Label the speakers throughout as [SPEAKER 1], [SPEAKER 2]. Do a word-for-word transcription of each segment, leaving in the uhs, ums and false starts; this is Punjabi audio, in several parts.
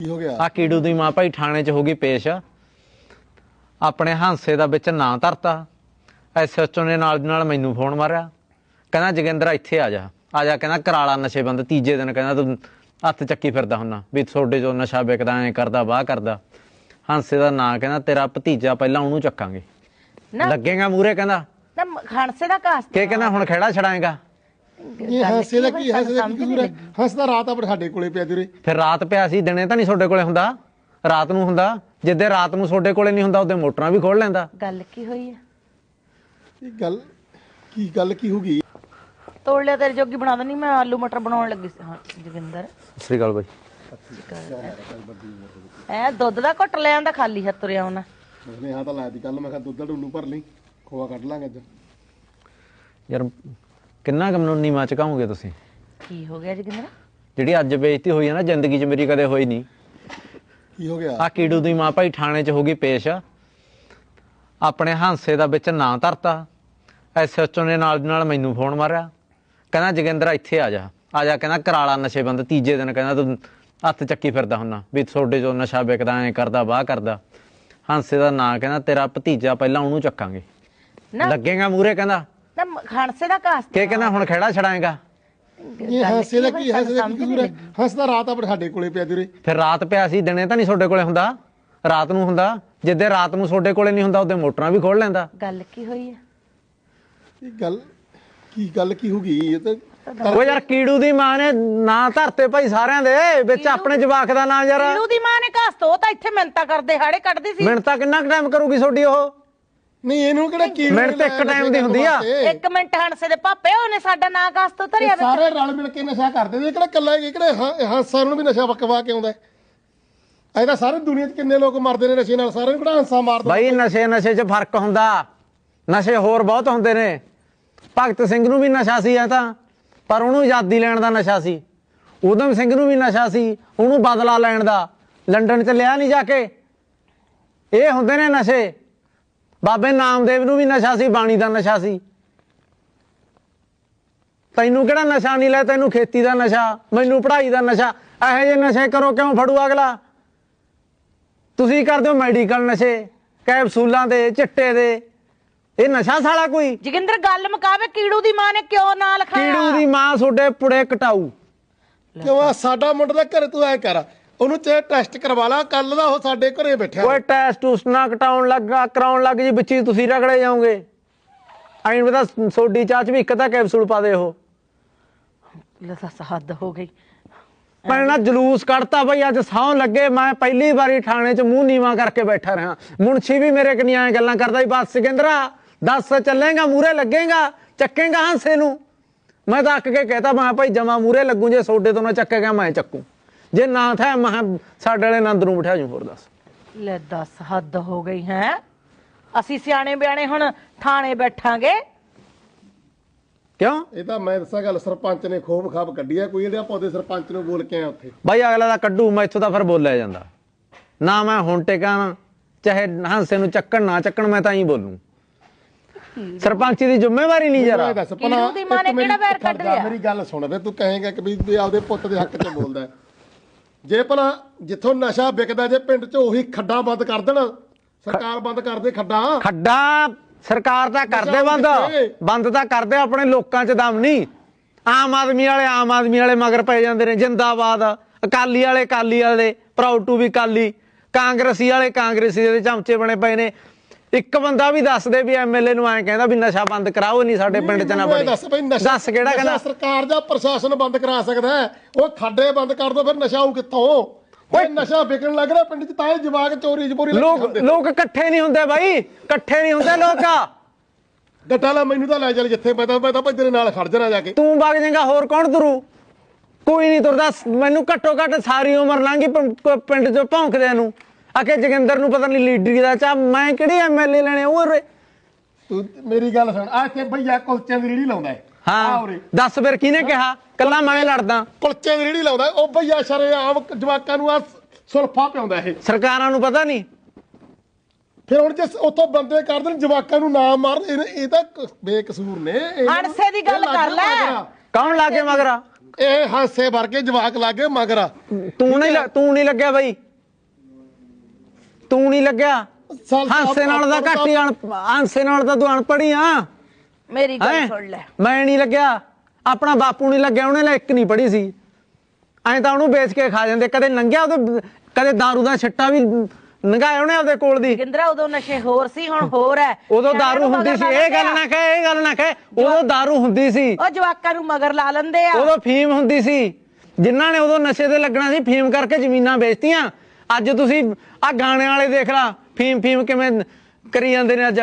[SPEAKER 1] हो गया
[SPEAKER 2] आ कीड़ू दी मां भाई थाने च हो गई पेश अपने हांसे दा विच नां धरता एसएचओ ने नाल दी नाल मैनू फोन मारिया कहना जोगिंदर इत्थे आ जा आ जा कहना कराला नशे बंद तीजे दिन कहना तू हत्थ चक्की फिरदा हुन्ना भी थोड़े जो नशा विकदा ऐ करदा वाह करदा हांसे दा नां कहना तेरा भतीजा पहला ओनू चक्कांगे लगेगा मूहरे कहना
[SPEAKER 3] हांसे दा कास
[SPEAKER 2] के कहना हुण खड़ा छड़ाएगा
[SPEAKER 1] ये हांसे दा की हांसे दा की कसूर है हंसदा रात आ ਸਾਡੇ ਕੋਲੇ ਪਿਆ ਤੇਰੇ
[SPEAKER 2] ਫਿਰ ਰਾਤ ਪਿਆ ਸੀ ਦਿਨੇ ਤਾਂ ਨਹੀਂ ਤੁਹਾਡੇ ਕੋਲੇ ਹੁੰਦਾ ਰਾਤ ਨੂੰ ਹੁੰਦਾ ਜਿੱਦੇ ਰਾਤ ਨੂੰ ਤੁਹਾਡੇ ਕੋਲੇ ਨਹੀਂ ਹੁੰਦਾ ਉਹਦੇ ਮੋਟਰਾਂ ਵੀ ਖੋਲ ਲੈਂਦਾ
[SPEAKER 3] ਗੱਲ ਕੀ ਹੋਈ ਹੈ
[SPEAKER 1] ਇਹ ਗੱਲ ਕੀ ਗੱਲ ਕੀ ਹੋ ਗਈ
[SPEAKER 3] ਤੋੜ ਲਿਆ ਤੇਰੇ ਜੋਗੀ ਬਣਾ ਦਨੀ ਮੈਂ ਆਲੂ ਮਟਰ ਬਣਾਉਣ ਲੱਗੀ ਸੀ ਹਾਂ ਜੋਗਿੰਦਰ
[SPEAKER 2] ਸਤਿ ਸ੍ਰੀ ਅਕਾਲ ਬਾਈ
[SPEAKER 3] ਐ ਦੁੱਧ ਦਾ ਘੁੱਟ ਲੈ ਆਂਦਾ ਖਾਲੀ ਹੱਥ ਤੁਰਿਆ ਉਹਨਾਂ
[SPEAKER 1] ਨੇ ਹਾਂ ਤਾਂ ਲਾਇਆ ਦੀ ਕੱਲ ਮੈਂ ਕਿਹਾ ਦੁੱਧ ਦਾ ਡੁੱਲੂ ਭਰ ਲਈ ਖੋਆ ਕੱਢ ਲਾਂਗੇ ਅੱਜ
[SPEAKER 2] ਯਾਰ ਕਿੰਨਾ ਕੰਮ ਨੂੰ ਨੀਵਾਂ ਚਕਾਉਂਗੇ ਤੁਸੀਂ
[SPEAKER 3] ਕੀ ਹੋ ਗਿਆ ਜੋਗਿੰਦਰ
[SPEAKER 2] ਜਿਹੜੀ ਅੱਜ ਬੇਇੱਜ਼ਤੀ ਹੋਈ ਹੈ ਨਾ ਜ਼ਿੰਦਗੀ 'ਚ ਮੇਰੀ ਕਦੇ ਹੋਈ ਨਹੀਂ
[SPEAKER 1] ਕੀ ਹੋ ਗਿਆ
[SPEAKER 2] ਆ ਕੀੜੂ ਦੀ ਮਾਂ ਭਾਈ ਥਾਣੇ 'ਚ ਹੋ ਗਈ ਪੇਸ਼ ਆਪਣੇ ਹਾਂਸੇ ਦਾ ਵਿੱਚ ਨਾਂ ਧਰਤਾ ਐਸਐਚਓ ਨੇ ਨਾਲ ਦੀ ਨਾਲ ਮੈਨੂੰ ਫੋਨ ਮਾਰਿਆ ਕਹਿੰਦਾ ਜੋਗਿੰਦਰ ਇੱਥੇ ਆ ਜਾ ਆ ਜਾ ਕਹਿੰਦਾ ਕਰਾਲਾ ਨਸ਼ੇ ਬੰਦ ਤੀਜੇ ਦਿਨ ਕਹਿੰਦਾ ਤੂੰ ਹੱਥ ਚੱਕੀ ਫਿਰਦਾ ਹੁੰਨਾ ਵੀ ਤੁਹਾਡੇ ਜੋ ਨਸ਼ਾ ਵਿਕਦਾ ਐ ਕਰਦਾ ਵਾਹ ਕਰਦਾ ਹਾਂਸੇ ਦਾ ਨਾਂ ਕਹਿੰਦਾ ਤੇਰਾ ਭਤੀਜਾ ਪਹਿਲਾਂ ਉਹਨੂੰ ਚੱਕਾਂਗੇ ਲੱਗੇਗਾ ਮੂਹਰੇ ਕਹਿੰਦਾ
[SPEAKER 3] ਹਾਂਸੇ ਦਾ ਕਾਸ
[SPEAKER 2] ਕੇ ਕਹਿੰਦਾ ਹੁਣ ਖੜਾ ਛੜਾਏਗਾ
[SPEAKER 1] ਇਹ ਹਾਂਸੇ ਦਾ ਕੀ ਹਾਂਸੇ ਦਾ ਕੀ ਕਸੂਰ ਹੈ ਹੰਸਦਾ ਰਾਤ ਆ ਸਾਡੇ ਕੋਲੇ ਪਿਆ ਤੇਰੇ
[SPEAKER 2] ਫਿਰ ਰਾਤ ਪਿਆ ਸੀ ਦਿਨੇ ਤਾਂ ਨਹੀਂ ਤੁਹਾਡੇ ਕੋਲੇ ਹੁੰਦਾ ਰਾਤ ਨੂੰ ਹੁੰਦਾ ਜਿੱਦੇ ਰਾਤ ਨੂੰ ਤੁਹਾਡੇ ਕੋਲੇ ਨਹੀਂ ਹੁੰਦਾ ਉਹਦੇ ਮੋਟਰਾਂ ਵੀ ਖੋਲ ਲੈਂਦਾ
[SPEAKER 3] ਗੱਲ ਕੀ ਹੋਈ ਹੈ
[SPEAKER 1] ਇਹ ਗੱਲ ਕੀ ਗੱਲ ਕੀ ਹੋ ਗਈ ਇਹ ਤਾਂ
[SPEAKER 2] ਉਹ ਯਾਰ ਕੀੜੂ ਦੀ ਮਾਂ ਨੇ ਨਾਂ ਧਰਤੇ ਭਾਈ ਸਾਰਿਆਂ ਦੇ ਵਿੱਚ ਆਪਣੇ ਜਵਾਕ ਦਾ ਨਾਂ ਯਾਰ
[SPEAKER 3] ਕੀੜੂ ਦੀ ਮਾਂ ਨੇ ਕਾਸ ਤੋਂ ਤਾਂ ਇੱਥੇ ਮਿੰਤਾ ਕਰਦੇ ਹਾੜੇ ਕੱਢਦੀ ਸੀ
[SPEAKER 2] ਮਿੰਟ ਤਾਂ ਕਿੰਨਾ ਟਾਈਮ ਕਰੂਗੀ ਤੁਹਾਡੀ ਉਹ
[SPEAKER 1] ਨਹੀਂ ਇਹਨੂੰ ਕਿਹੜਾ ਕੀ
[SPEAKER 2] ਮਿੰਟ ਤੇ ਇੱਕ ਟਾਈਮ ਦੀ ਹੁੰਦੀ ਆ
[SPEAKER 3] ਇੱਕ ਮਿੰਟ ਹੰਸੇ ਦੇ ਪਾਪੇ ਉਹਨੇ ਸਾਡਾ ਨਾਂ ਕਾਸ ਤੋਂ ਧਰਿਆ
[SPEAKER 1] ਸਾਰੇ ਰਲ ਮਿਲ ਕੇ ਨਸ਼ਾ ਕਰਦੇ ਨੇ ਕਿਹੜਾ ਕੱਲਾ ਇਹ ਕਿਹੜੇ ਹਾਂਸਾ ਨੂੰ ਵੀ ਨਸ਼ਾ ਵਕਵਾ ਕੇ ਆਉਂਦਾ ਐ ਤਾਂ ਸਾਰੇ ਦੁਨੀਆ 'ਚ ਕਿੰਨੇ ਲੋਕ ਮਰਦੇ ਨੇ ਨਸ਼ੇ ਨਾਲ ਸਾਰਿਆਂ ਨੂੰ ਕਿਹੜਾ ਹਾਂਸਾ ਮਾਰਦਾ
[SPEAKER 2] ਬਾਈ ਨਸ਼ੇ ਨਸ਼ੇ 'ਚ ਫਰਕ ਹੁੰਦਾ ਨਸ਼ੇ ਹੋਰ ਬਹੁਤ ਹੁੰਦੇ ਨੇ ਭਗਤ ਸਿੰਘ ਨੂੰ ਵੀ ਨਸ਼ਾ ਸੀ ਐ ਤਾਂ ਪਰ ਉਹਨੂੰ ਆਜ਼ਾਦੀ ਲੈਣ ਦਾ ਨਸ਼ਾ ਸੀ ਊਧਮ ਸਿੰਘ ਨੂੰ ਵੀ ਨਸ਼ਾ ਸੀ ਉਹਨੂੰ ਬਦਲਾ ਲੈਣ ਦਾ ਲੰਡਨ 'ਚ ਲਿਆ ਨਹੀਂ ਜਾ ਕੇ ਇਹ ਹੁੰਦੇ ਨੇ ਨਸ਼ੇ ਬਾਬੇ ਨਾਮਦੇਵ ਨੂੰ ਵੀ ਨਸ਼ਾ ਸੀ ਬਾਣੀ ਦਾ ਨਸ਼ਾ ਸੀ ਤੈਨੂੰ ਕਿਹੜਾ ਨਸ਼ਾ ਨਹੀਂ ਲੈ ਤੈਨੂੰ ਖੇਤੀ ਦਾ ਨਸ਼ਾ ਮੈਨੂੰ ਪੜ੍ਹਾਈ ਦਾ ਨਸ਼ਾ ਇਹੋ ਜਿਹੇ ਨਸ਼ੇ ਕਰੋ ਕਿਉਂ ਫੜੂ ਅਗਲਾ ਤੁਸੀਂ ਕਰਦੇ ਹੋ ਮੈਡੀਕਲ ਨਸ਼ੇ ਕੈਪਸੂਲਾਂ ਦੇ ਚਿੱਟੇ ਦੇ ਇਹ ਨਸ਼ਾ ਸਾਲਾ ਕੋਈ
[SPEAKER 3] ਜੋਗਿੰਦਰ ਗੱਲ ਮੁਕਾਵੇ ਕੀੜੂ ਦੀ ਮਾਂ ਨੇ ਕਿਉਂ ਨਾਂ ਲਿਖਾਇਆ
[SPEAKER 2] ਕੀੜੂ ਦੀ ਮਾਂ ਤੁਹਾਡੇ ਪੁੜੇ ਕਟਾਊ
[SPEAKER 1] ਕਿਉਂ ਸਾਡਾ ਮੁੰਡਾ ਦਾ ਘਰੇ ਤੂੰ ਐ ਕਰ ਉਹਨੂੰ ਚੇ ਟੈਸਟ ਕਰਵਾ ਲਾ ਕੱਲ ਦਾ ਉਹ ਸਾਡੇ ਘਰੇ ਬੈਠਾ
[SPEAKER 2] ਓਏ ਟੈਸਟ ਉਸ ਨਾ ਕਟਾਉਣ ਲੱਗਾ ਕਰਾਉਣ ਲੱਗ ਜੀ ਵਿੱਚ ਤੁਸੀਂ ਰਗੜੇ ਜਾਓਗੇ ਐਂ ਪਤਾ ਸੋਡੀ ਚਾਹ ਚ ਵੀ ਇੱਕ ਤਾਂ ਕੈਪਸੂਲ ਪਾ ਦੇ ਉਹ
[SPEAKER 3] ਲੈ ਦੱਸ ਹੱਦ ਹੋ ਗਈ
[SPEAKER 2] ਮੈਂ ਨਾ ਜਲੂਸ ਕੱਢਤਾ ਬਈ ਅੱਜ ਸੌਂ ਲੱਗੇ ਮੈਂ ਪਹਿਲੀ ਵਾਰੀ ਥਾਣੇ 'ਚ ਮੂੰਹ ਨੀਵਾਂ ਕਰਕੇ ਬੈਠਾ ਰਿਹਾ ਮੁਨਸ਼ੀ ਵੀ ਮੇਰੇ ਕਨੀਆਂ ਐ ਗੱਲਾਂ ਕਰਦਾ ਸੀ ਬਸ ਸਿਕੰਦਰਾ ਦੱਸ ਚੱਲੇਗਾ ਮੂਹਰੇ ਲੱਗੇਗਾ ਚੱਕੇਗਾ ਹਾਂਸੇ ਨੂੰ ਮੈਂ ਤਾਂ ਅੱਕ ਕੇ ਕਹਿਤਾ ਮੈਂ ਭਾਈ ਜਮਾ ਮੂਹਰੇ ਲੱਗੂ ਜੇ ਸੋਡੇ ਤੋਂ ਨਾ ਚੱਕੇਗਾ ਮੈਂ ਚੱਕੂ ਜੇ ਨਾ ਥਾ ਮੈਂ ਸਾਡੇ ਵਾਲੇ ਨੰਦ ਨੂੰ ਬਿਠਾ ਜੂ ਹੋਰ ਦੱਸ
[SPEAKER 3] ਲੈ ਦੱਸ ਹੱਦ ਹੋ ਗਈ ਹੈ ਅਸੀਂ ਸਿਆਣੇ ਬਿਆਣੇ ਹੁਣ ਥਾਣੇ ਬੈਠਾਂਗੇ
[SPEAKER 2] ਕਿਉਂ
[SPEAKER 1] ਇਹ ਤਾਂ ਮੈਂ ਦੱਸਾਂ ਗੱਲ ਸਰਪੰਚ ਨੇ ਖੋਬ ਖਾਬ ਕੱਢੀ ਆ ਕੋਈ ਇਹਦੇ ਆਪਾਂ ਉਹਦੇ ਸਰਪੰਚ ਨੂੰ ਬੋਲ ਕੇ ਆ ਉੱਥੇ
[SPEAKER 2] ਬਾਈ ਅਗਲਾ ਦਾ ਕੱਢੂ ਮੈਂ ਇੱਥੋਂ ਤਾਂ ਫਿਰ ਬੋਲਿਆ ਜਾਂਦਾ ਨਾ ਮੈਂ ਹੁਣ ਟਿਕਾਂ ਚਾਹੇ ਹਾਂਸੇ ਨੂੰ ਚੱਕਣ ਨਾ ਚੱਕਣ ਮੈਂ ਤਾਂ ਹੀ ਬੋਲੂ ਸਰਪੰਚੀ ਦੀ ਜ਼ਿੰਮੇਵਾਰੀ ਨਹੀਂ ਜਰਾ
[SPEAKER 1] ਦੱਸ
[SPEAKER 3] ਕੀੜੂ ਦੀ ਮਾਂ ਨੇ ਕਿਹੜਾ ਵੈਰ ਕੱਢ ਲਿਆ
[SPEAKER 1] ਮੇਰੀ ਗੱਲ ਸੁਣ ਵੇ ਤੂੰ ਕਹੇਗਾ ਕਿ ਵੀ ਆਪਦੇ ਪੁੱਤ ਦੇ ਹੱਕ 'ਚ ਬੋਲਦਾ ਜੇ ਭਲਾ ਜਿੱਥੋਂ ਨਸ਼ਾ ਵਿਕਦਾ ਜੇ ਪਿੰਡ 'ਚ ਉਹੀ ਖੱਡਾ ਬੰਦ ਕਰ ਦੇਣ ਸਰਕਾਰ ਬੰਦ ਕਰ ਦੇ ਖੱਡਾ
[SPEAKER 2] ਖੱਡਾ ਸਰਕਾਰ ਤਾਂ ਕਰਦੇ ਬੰਦ ਬੰਦ ਤਾਂ ਕਰਦੇ ਆਪਣੇ ਲੋਕਾਂ 'ਚ ਦਮ ਨਹੀਂ ਆਮ ਆਦਮੀ ਵਾਲੇ ਆਮ ਆਦਮੀ ਵਾਲੇ ਮਗਰ ਪੈ ਜਾਂਦੇ ਨੇ ਜਿੰਦਾਬਾਦ ਅਕਾਲੀ ਵਾਲੇ ਅਕਾਲੀ ਵਾਲੇ ਪ੍ਰਾਊਡ ਟੂ ਵੀ ਅਕਾਲੀ ਕਾਂਗਰਸੀ ਵਾਲੇ ਕਾਂਗਰਸੀ ਦੇ ਚਮਚੇ ਬਣੇ ਪਏ ਨੇ ਇੱਕ ਬੰਦਾ ਵੀ ਦੱਸ ਦੇ ਵੀ ਐਮਐਲਏ ਨੂੰ ਐਂ ਕਹਿੰਦਾ ਵੀ ਨਸ਼ਾ ਬੰਦ ਕਰਾਓ ਨਹੀਂ ਸਾਡੇ ਪਿੰਡ 'ਚ ਨਾ ਬਣੇ ਦੱਸ ਕਿਹੜਾ ਕਹਿੰਦਾ
[SPEAKER 1] ਸਰਕਾਰ ਜਾਂ ਪ੍ਰਸ਼ਾਸਨ ਬੰਦ ਕਰਾ ਸਕਦਾ ਉਹ ਖੱਡੇ ਬੰਦ ਕਰ ਦੋ ਫਿਰ ਨਸ਼ਾ ਆਊ ਕਿੱਥੋਂ ਓਏ ਨਸ਼ਾ ਵਿਕਣ ਲੱਗ ਰਿਹਾ ਪਿੰਡ 'ਚ ਤਾਂ ਇਹ ਜਵਾਕ ਚੋਰੀ ਚਪੋਰੀ
[SPEAKER 2] ਲੋਕ ਲੋਕ ਇਕੱਠੇ ਨਹੀਂ ਹੁੰਦੇ ਬਾਈ ਇਕੱਠੇ ਨਹੀਂ ਹੁੰਦੇ ਲੋਕ
[SPEAKER 1] ਗੱਟਾ ਲਾ ਮੈਨੂੰ ਤਾਂ ਲੈ ਚੱਲ ਜਿੱਥੇ ਮੈਂ ਤਾਂ ਮੈਂ ਤਾਂ ਤੇਰੇ ਨਾਲ ਖੜ ਜਾਣਾ ਜਾ ਕੇ
[SPEAKER 2] ਤੂੰ ਵਗ ਜਾਏਗਾ ਹੋਰ ਕੌਣ ਤੁਰੂ ਕੋਈ ਨਹੀਂ ਤੁਰਦਾ ਮੈਨੂੰ ਘੱਟੋ ਘੱਟ ਸਾਰੀ ਉਮਰ ਲੰਘੀ ਪਿੰਡ 'ਚ ਭੌਂਕਦਿਆਂ ਨੂੰ ਆਖੇ ਜੋਗਿੰਦਰ ਨੂੰ ਪਤਾ ਨਹੀਂ ਲੀਡਰੀ ਦਾ ਚਾਹ ਮੈਂ ਕਿਹੜੇ ਐਮਐਲਏ ਲੈਣੇ ਉਹ
[SPEAKER 1] ਤੂੰ ਮੇਰੀ ਗੱਲ ਸੁਣ ਆ ਇੱਥੇ ਭਈਆ ਕੁਲਚਿਆਂ ਦੀ ਰੇਹੜੀ ਲਾਉਂਦਾ
[SPEAKER 2] ਹਾਂ ਦੱਸ ਫਿਰ ਕਿਹਨੇ ਕਿਹਾ ਕੱਲਾ ਮੈਂ ਲੜਦਾ
[SPEAKER 1] ਕੁਲਚਿਆਂ ਦੀ ਰੇਹੜੀ ਲਾਉਂਦਾ ਉਹ ਭਈਆ ਸ਼ਰੇਆਮ ਜਵਾਕਾਂ ਨੂੰ ਆ ਸੁਲਫਾ ਪਿਆਉਂਦਾ ਇਹ
[SPEAKER 2] ਸਰਕਾਰਾਂ ਨੂੰ ਪਤਾ ਨਹੀਂ
[SPEAKER 1] ਫਿਰ ਹੁਣ ਜੇ ਉੱਥੋਂ ਬੰਦੇ ਕਰ ਦੇਣ ਜਵਾਕਾਂ ਨੂੰ ਨਾ ਮਾਰਨ ਇਹ ਤਾਂ ਬੇਕਸੂਰ ਨੇ
[SPEAKER 3] ਹਣਸੇ ਦੀ ਗੱਲ ਕਰ ਲੈ
[SPEAKER 2] ਕੌਣ ਲਾਗੇ ਮਗਰਾ
[SPEAKER 1] ਇਹ ਹਾਸੇ ਵਰਗੇ ਜਵਾਕ ਲੱਗੇ ਮਗਰ
[SPEAKER 2] ਤੂੰ ਨਹੀਂ ਲ- ਤੂੰ ਨਹੀਂ ਲੱਗਿਆ ਬਈ, ਤੂੰ ਨਹੀਂ ਲੱਗਿਆ।
[SPEAKER 1] ਸਾਲ
[SPEAKER 2] ਹਾਸੇ ਨਾਲ ਤਾਂ ਘੱਟ ਹੀ ਅਣ ਹਾਸੇ ਨਾਲ ਤਾਂ ਤੂੰ ਅਨਪੜ੍ਹੀ ਆ।
[SPEAKER 3] ਮੇਰੀ ਗੱਲ
[SPEAKER 2] ਹੈਂ?
[SPEAKER 3] ਸੁਣ ਲੈ,
[SPEAKER 2] ਮੈਂ ਨਹੀਂ ਲੱਗਿਆ, ਆਪਣਾ ਬਾਪੂ ਨਹੀਂ ਲੱਗਿਆ, ਉਹਨੇ ਲੈ ਇੱਕ ਨਹੀਂ ਪੜ੍ਹੀ ਸੀ। ਐਂ ਤਾਂ ਉਹਨੂੰ ਵੇਚ ਕੇ ਖਾ ਜਾਂਦੇ, ਕਦੇ ਨੰਗਿਆ ਉਹਦੇ, ਕਦੇ ਦਾਰੂ ਦਾ ਛੱਟਾ ਵੀ ਨੰਗਾਇਆ ਉਹਨੇ ਆਪਦੇ ਕੋਲ ਦੀ।
[SPEAKER 3] ਗਿੰਦਰਾ ਉਦੋਂ ਨਸ਼ੇ ਹੋਰ ਸੀ, ਹੁਣ ਹੋਰ ਹੈ।
[SPEAKER 2] ਉਦੋਂ
[SPEAKER 3] ਸਿਆਣਿਆਂ
[SPEAKER 2] ਦਾਰੂ
[SPEAKER 3] ਨੂੰ
[SPEAKER 2] ਹੁੰਦੀ
[SPEAKER 3] ਮਗਰ
[SPEAKER 2] ਸੀ,
[SPEAKER 3] ਲਾ
[SPEAKER 2] ਇਹ ਗੱਲ
[SPEAKER 3] ਲੈਂਦੇ
[SPEAKER 2] ਨਾ ਕਹੇ, ਇਹ ਗੱਲ ਨਾ ਕਹੇ। ਉਦੋਂ ਦਾਰੂ ਹੁੰਦੀ ਸੀ,
[SPEAKER 3] ਉਹ ਜਵਾਕਾਂ ਨੂੰ ਮਗਰ ਲਾ ਲੈਂਦੇ ਆ।
[SPEAKER 2] ਉਦੋਂ ਫੀਮ ਹੁੰਦੀ ਸੀ। ਜਿਨ੍ਹਾਂ ਨੇ ਉਦੋਂ ਨਸ਼ੇ ਤੇ ਲੱਗਣਾ ਸੀ, ਫੀਮ ਕਰਕੇ ਜ਼ਮੀਨਾਂ ਵੇਚਤੀਆਂ। ਅੱਜ ਤੁਸੀਂ ਆ ਗਾਣੇ ਵਾਲੇ ਦੇਖ ਲਾ, ਫੀਮ ਫੀਮ ਕਿਵੇਂ ਕਰੀ ਜਾਂਦੇ ਨੇ ਅੱਜ।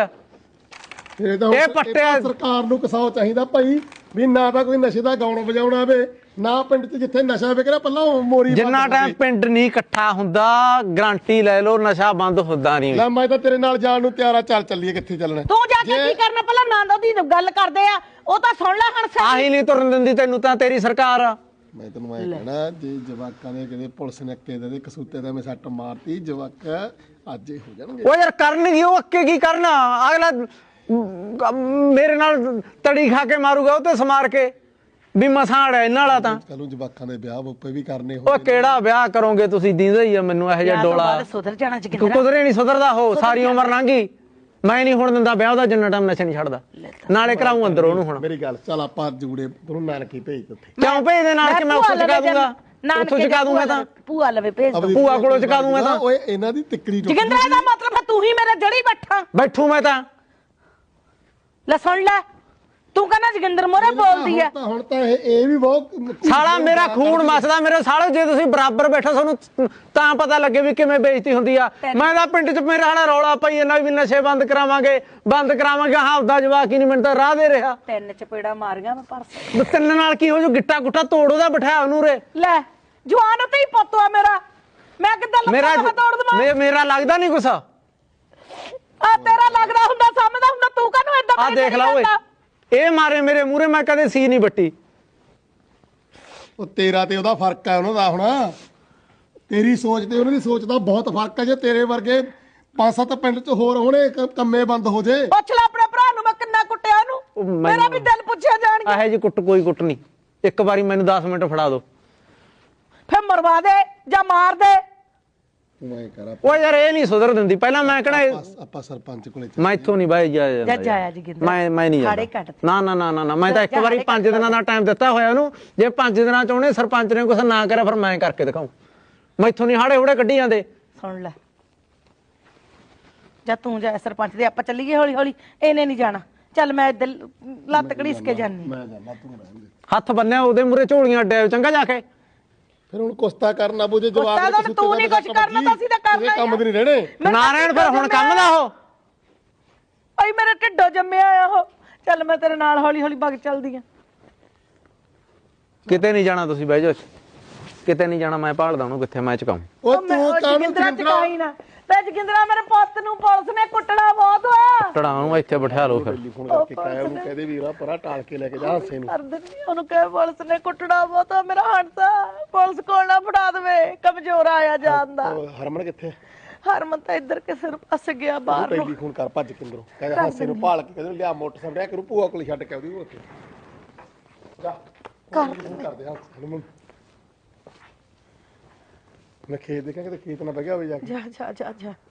[SPEAKER 1] ਇਹ ਤਾਂ
[SPEAKER 2] ਇਹ
[SPEAKER 1] ਹੁਣ-
[SPEAKER 2] ਪੱਟਿਆ-
[SPEAKER 1] ਤਾਂ ਸਰਕਾਰ ਨੂੰ ਕਸਾਓ ਚਾਹੀਦਾ ਭਾਈ, ਵੀ ਨਾ ਤਾਂ ਕੋਈ ਨਸ਼ੇ ਦਾ ਗਾਉਣ ਵਜਾਉਣਾ ਆਵੇ, ਨਾ ਪਿੰਡ 'ਚ ਜਿੱਥੇ ਨਸ਼ਾ ਵਿਕ ਰਿਹਾ ਪਹਿਲਾਂ ਉਹ ਮੋਰੀ ਬੰਦ
[SPEAKER 2] ਜਿੰਨਾ
[SPEAKER 1] ਕਰ
[SPEAKER 2] ਟਾਈਮ
[SPEAKER 1] ਦੇ।
[SPEAKER 2] ਪਿੰਡ ਨਹੀਂ ਇਕੱਠਾ ਹੁੰਦਾ, ਗਰੰਟੀ ਲੈ ਲਓ ਨਸ਼ਾ ਬੰਦ ਹੁੰਦਾ ਨਹੀਂ।
[SPEAKER 1] ਲੈ ਮੈਂ ਤਾਂ ਤੇਰੇ ਨਾਲ ਜਾਣ ਨੂੰ ਤਿਆਰ ਆ, ਚੱਲ ਚੱਲੀਏ, ਕਿੱਥੇ ਚੱਲਣਾ?
[SPEAKER 3] ਤੂੰ ਜਾ ਕੇ
[SPEAKER 1] ਜੇ-
[SPEAKER 3] ਕੀ ਕਰਨਾ? ਪਹਿਲਾਂ ਨੰਦ ਉਹਦੀ ਗੱਲ ਕਰਦੇ ਆ, ਉਹ ਤਾਂ ਸੁਣ ਲੈ ਹੁਣ ਸਹੀ।
[SPEAKER 2] ਆਹੀ ਨਹੀਂ ਤੁਰਨ ਦਿੰਦੀ ਤੈਨੂੰ ਤਾਂ ਤੇਰੀ ਸਰਕਾਰ ਆ।
[SPEAKER 1] ਮੈਂ ਤੈਨੂੰ ਐ ਕਹਿਣਾ, ਜੇ ਜਵਾਕਾਂ ਦੇ ਕਿਤੇ ਪੁਲਿਸ ਨੇ ਅੱਕੇ ਦੇ ਕਸੂਤੇ ਦਾ ਮੈਂ ਸੱਟ ਮਾਰਤੀ, ਜਵਾਕ ਅੱਜ ਹੀ ਹੋ ਜਾਣਗੇ।
[SPEAKER 2] ਉਹ ਯਾਰ ਕਰਨਗੇ, ਉਹ ਅੱਕੇ ਕੀ ਕਰਨਾ? ਅਗਲਾ ਅਮ, ਮੇਰੇ ਨਾਲ ਤੜੀ ਖਾ ਕੇ ਮਾਰੂਗਾ ਉਹ ਤੇ ਸਮਾਰ ਕੇ ਵੀ ਮਸਾੜ ਹੈ ਇਹਨਾਂ ਵਾਲਾ ਤਾਂ।
[SPEAKER 1] ਕੱਲ ਨੂੰ ਜਵਾਕਾਂ ਦੇ ਵਿਆਹ ਬੁੱਪੇ ਵੀ ਕਰਨੇ
[SPEAKER 2] ਉਹ
[SPEAKER 1] ਹੋਣਗੇ।
[SPEAKER 2] ਕਿਹੜਾ ਵਿਆਹ ਕਰੋਗੇ ਤੁਸੀਂ? ਦੀਂਦਾ ਹੀ ਆ ਮੈਨੂੰ ਇਹੋ ਜਿਹਾ
[SPEAKER 3] ਵਿਆਹ ਤੋਂ
[SPEAKER 2] ਡੋਲਾ।
[SPEAKER 3] ਬਾਅਦ ਸੁਧਰ ਜਾਣਾ
[SPEAKER 2] ਤੂੰ
[SPEAKER 3] ਜਗਿੰਦਰਾ।
[SPEAKER 2] ਕੁਦਰੇ ਨਹੀਂ ਸੁਧਰਦਾ, ਹੋ ਸਾਰੀ ਉਮਰ ਲੰਘੀ। ਮੈਂ ਨਹੀਂ ਹੁਣ ਦਿੰਦਾ ਵਿਆਹ ਦਾ, ਜਿੰਨਾ ਟਾਈਮ ਨਸ਼ਾ ਨਹੀਂ ਛੱਡਦਾ। ਨਾਲੇ ਕਰਾਉਂ ਅੰਦਰ ਉਹਨੂੰ ਹੁਣ।
[SPEAKER 1] ਮੇਰੀ ਗੱਲ ਚੱਲ, ਆਪਾਂ ਜੂੜੇ ਤੈਨੂੰ ਨਾਨਕੀ ਭੇਜ ਦਿੱਤੇ।
[SPEAKER 2] ਕਿਉਂ ਭੇਜ ਦੇ ਨਾਲ ਕਿ ਮੈਂ ਉੱਥੋਂ ਚੁਕਾ ਦੂੰਗਾ, ਉੱਥੋਂ ਚੁਕਾ ਦੂੰਗਾ ਤਾਂ
[SPEAKER 3] ਭੂਆ ਲਵੇ ਭੇਜ ਦੋ।
[SPEAKER 2] ਭੂਆ ਕੋਲੋਂ ਚੁਕਾ ਦੂੰ ਮੈਂ ਤਾਂ।
[SPEAKER 1] ਓਏ ਇਹਨਾਂ ਦੀ ਤਿੱਕਰੀ ਟੁੱਟ
[SPEAKER 3] ਜਗਿੰਦਰਾ ਦਾ ਮਤਲਬ ਹੈ ਤੂੰ ਹੀ ਮੇਰਾ ਜੜੀ ਬੈਠਾ।
[SPEAKER 2] ਬੈਠੂ ਮੈਂ ਤਾਂ।
[SPEAKER 3] ਲੈ ਸੁਣ ਲੈ, ਤੂੰ ਕਹਿੰਦਾ ਜਗਿੰਦਰ ਮੋਰੇ ਬੋਲਦੀ ਆ।
[SPEAKER 1] ਹੁਣ ਤਾਂ ਹੁਣ ਤਾਂ ਇਹ ਇਹ ਵੀ ਬਹੁਤ
[SPEAKER 2] ਸਾਲਾ ਮੇਰਾ ਖੂਨ ਮਸਦਾ ਮੇਰੇ ਸਾਲੇ। ਜੇ ਤੁਸੀਂ ਬਰਾਬਰ ਬੈਠੋ ਤੁਹਾਨੂੰ ਤਾਂ ਪਤਾ ਲੱਗੇ ਵੀ ਕਿਵੇਂ ਬੇਇੱਜ਼ਤੀ ਹੁੰਦੀ ਆ। ਮੈਂ ਤਾਂ ਪਿੰਡ 'ਚ ਮੇਰਾ ਹਾਲਾ ਰੌਲਾ ਪਈ ਇਹਨਾਂ ਵੀ ਨਸ਼ੇ ਬੰਦ ਕਰਾਵਾਂਗੇ, ਬੰਦ ਕਰਾਵਾਂਗੇ। ਹਾਂ ਉਹਦਾ ਜਵਾਕ ਹੀ ਨਹੀਂ, ਮੈਨੂੰ ਤਾਂ ਰਾਹ ਦੇ ਰਿਹਾ।
[SPEAKER 3] ਤਿੰਨ ਚਪੇੜਾ ਮਾਰੀਆਂ ਮੈਂ ਪਰਸ।
[SPEAKER 2] ਵੀ ਤਿੰਨ ਨਾਲ ਕੀ ਹੋ ਜੂ? ਗਿੱਟਾ ਗੁੱਟਾ ਤੋੜ ਉਹਦਾ, ਬਿਠਾਇਆ ਉਹਨੂੰ ਰੇ।
[SPEAKER 3] ਲੈ ਜਵਾਨ ਤੇ ਹੀ ਪੁੱਤ ਆ ਮੇਰਾ, ਮੈਂ ਕਿੱਦਾਂ
[SPEAKER 2] ਮੇਰਾ
[SPEAKER 3] ਲੱਤਾਂ ਤੋੜ ਦਵਾਂ?
[SPEAKER 2] ਮੇ- ਮੇਰਾ ਲੱਗਦਾ ਨਹੀਂ ਗੁੱਸਾ।
[SPEAKER 3] ਆ ਤੇਰਾ ਲੱਗਦਾ ਹੁੰਦਾ, ਸਮਝਦਾ ਹੁੰਦਾ, ਤੂੰ ਕਾਹਨੂੰ ਏਦਾਂ
[SPEAKER 2] ਆ ਦੇਖ ਲਾ ਓਏ, ਇਹ ਮਾਰੇ ਮੇਰੇ ਮੂਹਰੇ, ਮੈਂ ਕਦੇ ਸੀ ਨਹੀਂ ਬੱਟੀ।
[SPEAKER 1] ਉਹ ਤੇਰਾ ਤੇ ਉਹਦਾ ਫਰਕ ਹੈ, ਉਹਨਾਂ ਦਾ ਹੁਣ ਤੇਰੀ ਸੋਚ ਤੇ ਉਹਨਾਂ ਦੀ ਸੋਚ ਦਾ ਬਹੁਤ ਫਰਕ ਹੈ। ਜੇ ਤੇਰੇ ਵਰਗੇ ਪੰਜ ਸੱਤ ਪਿੰਡ 'ਚ ਹੋਰ ਹੋਣੇ, ਕ- ਕੰਮੇ ਬੰਦ ਹੋ ਜੇ।
[SPEAKER 3] ਪੁੱਛ ਲੈ ਆਪਣੇ ਭਰਾ ਨੂੰ ਮੈਂ ਕਿੰਨਾ ਕੁੱਟਿਆ
[SPEAKER 2] ਉਹ
[SPEAKER 3] ਉਹਨੂੰ,
[SPEAKER 2] ਮੈਨੂੰ-
[SPEAKER 3] ਮੇਰਾ ਵੀ ਦਿਲ ਪੁੱਛਿਆ ਜਾਣਗੇ।
[SPEAKER 2] ਇਹੋ ਜੀ ਕੁੱਟ ਕੋਈ ਕੁੱਟ ਨਹੀਂ। ਇੱਕ ਵਾਰੀ ਮੈਨੂੰ ਦਸ ਮਿੰਟ ਫੜਾ ਦਿਓ,
[SPEAKER 3] ਫਿਰ ਮਰਵਾ ਦੇ ਜਾਂ ਮਾਰ ਦੇ।
[SPEAKER 1] ਮੈਂ ਕਰਾਂ
[SPEAKER 2] ਉਹ ਯਾਰ ਇਹ ਨਹੀਂ ਸੁਧਰ ਦਿੰਦੀ। ਪਹਿਲਾਂ ਮੈਂ ਕਿਹੜਾ
[SPEAKER 1] ਆਪਾਂ ਆਪਾਂ ਸਰਪੰਚ ਕੋਲੇ ਚੱਲ-
[SPEAKER 2] ਮੈਂ ਇੱਥੋਂ ਨਹੀਂ ਬਾਈ ਜਾ
[SPEAKER 3] ਜਾ
[SPEAKER 2] ਜਾਂਦਾ
[SPEAKER 3] ਜਾਇਆ ਜੀ ਗਿੰਦਰ।
[SPEAKER 2] ਮੈਂ ਮੈਂ ਨਹੀਂ
[SPEAKER 3] ਹਾੜੇ
[SPEAKER 2] ਜਾਂਦਾ।
[SPEAKER 3] ਕੱਟ ਤੇ।
[SPEAKER 2] ਨਾ ਨਾ ਨਾ ਨਾ ਨਾ, ਮੈਂ ਤਾਂ ਇੱਕ
[SPEAKER 3] ਜਾ
[SPEAKER 2] ਵਾਰੀ
[SPEAKER 3] ਹਾੜੇ
[SPEAKER 2] ਪੰਜ
[SPEAKER 3] ਕੱਟ
[SPEAKER 2] ਦਿਨਾਂ ਦਾ ਟਾਈਮ ਦਿੱਤਾ ਹੋਇਆ ਉਹਨੂੰ। ਜੇ ਪੰਜ ਦਿਨਾਂ ਚ ਉਹਨੇ ਸਰਪੰਚ ਨੇ ਕੁਛ ਨਾ ਕਰਿਆ ਫਿਰ ਮੈਂ ਕਰਕੇ ਦਿਖਾਉਂ। ਮੈਂ ਇੱਥੋਂ ਨਹੀਂ ਹਾੜੇ ਹੂੜੇ ਕੱਢੀ ਜਾਂਦੇ।
[SPEAKER 3] ਸੁਣ ਲੈ, ਜਾ ਤੂੰ ਜਾ ਸਰਪੰਚ ਦੇ, ਆਪਾਂ ਚੱਲੀਏ ਹੌਲੀ ਹੌਲੀ। ਇਹਨੇ ਨਹੀਂ ਜਾਣਾ, ਚੱਲ ਮੈਂ ਇੱਧਰ ਲੱਤ ਘੜੀਸ ਕੇ ਜਾਨੀ।
[SPEAKER 1] ਮੈਂ ਜਾਂਦਾ, ਤੂੰ ਰਹਿਣ ਦੇ।
[SPEAKER 2] ਹੱਥ ਬੰਨਿਆ ਉਹਦੇ ਮੂਰੇ ਝੋਲੀਆਂ ਅੱਡਿਆ ਚੰਗਾ ਜਾ ਕੇ।
[SPEAKER 1] ਫਿਰ ਹੁਣ ਕੁਸਤਾ ਕਰਨਾ ਬੁਝੇ ਜਵਾਬ
[SPEAKER 3] ਕੁਸਤਾ ਤਾਂ ਤੂੰ ਨਹੀਂ ਕੁਛ ਕਰਨਾ, ਤਾਂ ਅਸੀਂ ਤਾਂ ਕਰਨਾ ਹੀ ਆ।
[SPEAKER 1] ਕੰਮ ਵੀ ਨਹੀਂ ਰਹਿਣੇ।
[SPEAKER 3] ਮੈਂ ਤਾਂ
[SPEAKER 2] ਨਾਰਾਇਣ ਫਿਰ ਹੁਣ ਕੰਮ ਦਾ ਉਹ
[SPEAKER 3] ਭਾਈ ਮੇਰੇ ਢਿੱਡੋਂ ਜੰਮਿਆ ਆ ਉਹ। ਚੱਲ ਮੈਂ ਤੇਰੇ ਨਾਲ ਹੌਲੀ ਹੌਲੀ ਵਗ ਚੱਲਦੀ ਆ।
[SPEAKER 2] ਕਿਤੇ ਨਹੀਂ ਜਾਣਾ ਤੁਸੀਂ, ਬਹਿ ਜਾਓ। ਕਿਤੇ ਨਹੀਂ ਜਾਣਾ, ਮੈਂ ਭਾਲਦਾ ਉਹਨੂੰ ਕਿੱਥੇ ਮੈਂ ਚੁਕਾਉਂ।
[SPEAKER 1] ਉਹ
[SPEAKER 3] ਉਹ ਮੈਂ
[SPEAKER 1] ਤੂੰ
[SPEAKER 3] ਉਹ
[SPEAKER 1] ਕਾਹਨੂੰ
[SPEAKER 3] ਜਗਿੰਦਰਾ
[SPEAKER 1] ਚਿੰਤਰਾ
[SPEAKER 3] ਚਕਾਈ ਨਾ ਤੇ ਜਗਿੰਦਰਾ, ਮੇਰੇ ਪੁੱਤ ਨੂੰ ਪੁਲਿਸ ਨੇ ਕੁੱਟਣਾ ਬਹੁਤ ਹੋਇਆ।
[SPEAKER 2] ਟੜਾ ਉਹਨੂੰ ਇੱਥੇ ਬਿਠਾ ਲਓ ਫਿਰ।
[SPEAKER 1] ਟੈਲੀਫੋਨ ਕਰਕੇ ਕਾਇਆ ਉਹਨੂੰ ਕਹਦੇ ਵੀਰਾ ਪਰਾ ਟਾਲ ਕੇ ਲੈ ਕੇ ਜਾ ਹਾਸੇ ਨੂੰ।
[SPEAKER 3] ਕਰ ਦਿੰਦੀ ਉਹਨੂੰ, ਕਹੇ ਪੁਲਿਸ ਨੇ ਕੁੱਟਣਾ ਬਹੁਤ ਆ ਮੇਰਾ ਹੰਸਾ। ਪੁਲਿਸ ਕੋਲ ਨਾ ਫੜਾ ਦੇਵੇ, ਕਮਜ਼ੋਰ ਆਇਆ ਜਾਂਦਾ।
[SPEAKER 1] ਉਹ ਹਰਮਨ ਕਿੱਥੇ?
[SPEAKER 3] ਹਰਮਨ ਤਾਂ ਇੱਧਰ ਕਿਸੇ ਨੂੰ ਫਸ ਗਿਆ ਬਾਹਰ ਨੂੰ।
[SPEAKER 1] ਟੈਲੀਫੋਨ ਕਰ ਭੱਜ ਕੇ ਅੰਦਰੋਂ, ਕਹਿੰਦੇ ਹਾਸੇ ਨੂੰ ਭਾਲ ਕੇ ਕਹਿੰਦੇ ਲਿਆ ਮੋਟਰਸਾਈਕਲ ਰਿਆ ਕਰੂ ਭੂਆ ਕੋਲ ਛੱਡ ਕੇ ਆਉਦੀ ਉਹ ਉੱਥੇ ਜਾ ਕਰ ਕਰਦੇ ਹਾਂ ਹਰਮਨ। ਮੈਂ ਖੇਤ ਦੇਖਾਂ ਕਿਤੇ ਖੇਤ ਨਾ ਬਗਿਆ ਹੋਵੇ ਜਾ ਕੇ।
[SPEAKER 3] ਜਾ ਜਾ ਜਾ ਜਾ